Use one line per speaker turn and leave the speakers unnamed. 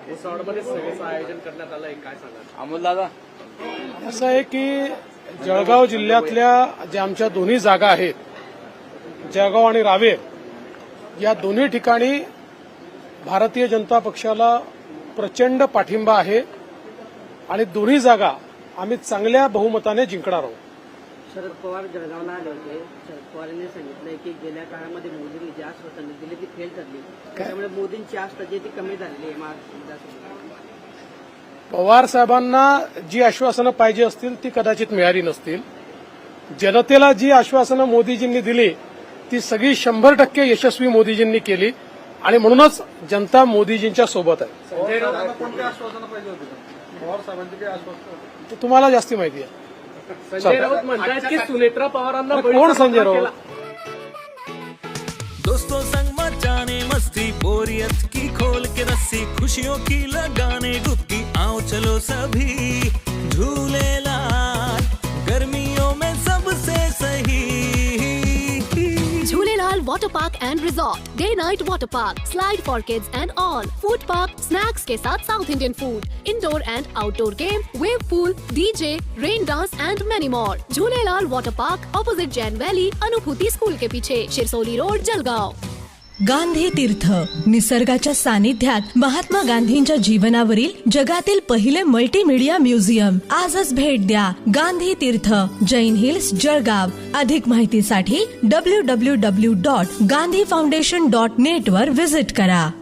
रिसॉर्टमध्ये सगळ्याचं आयोजन करण्यात आलंय, काय सांगा
अमोल दादा?
असं आहे की जळगाव जिल्ह्यातल्या ज्या आमच्या दोन्ही जागा आहेत, जळगाव आणि रावेर, या दोन्ही ठिकाणी भारतीय जनता पक्षाला प्रचंड पाठिंबा आहे आणि दोन्ही जागा आम्ही चांगल्या बहुमताने जिंकणार आहोत.
शरद पवार जळगावला आले होते. शरद पवारांनी सांगितलंय की गेल्या काळामध्ये मोदींनी जी आश्वासनं दिली ती फेल ठरली, त्यामुळे मोदींची आस्था जी ती कमी झालेली आहे महाराष्ट्रात.
पवार साहेबांना जी आश्वासनं पाहिजे असतील ती कदाचित मिळाली नसतील. जनतेला जी आश्वासनं मोदीजींनी दिली ती सगळी 100% यशस्वी मोदीजींनी केली आणि म्हणूनच जनता मोदीजींच्या सोबत आहे.
कोणती आश्वासनं पाहिजे होती पवार साहेबांची? काही आश्वासन
तुम्हाला जास्ती माहिती आहे.
संजय राऊत म्हणतात की सुनेत्रा पवारांना
कोण संजय राऊत?
दोस्तों संग मचाने मस्ती, बोरियत की खोल के रस्सी, खुशियों की लगाने डुबकी, आओ चलो सभी झूलेलाल, गर्मियों में सबसे सही.
Jhulelalal Water Park and Resort, Day Night Water Park, Slide for Kids and all, Food Park, Snacks के साथ South Indian food, Indoor and Outdoor game, Wave Pool, DJ, Rain Dance and many more. Jhulelalal Water Park, opposite Jain Valley, Anubhuti school के पीछे, Shirsoli road, Jalgaon.
Gandhi Tirth, निसर्गाच्या सानिध्यात महात्मा गांधींच्या जीवनावरील जगातील पहिले multimedia museum. आजच भेट द्या. गांधी तीर्थ, जैन हिल्स, जळगाव. अधिक माहितीसाठी www.gandhifoundation.net वर व्हिजिट करा.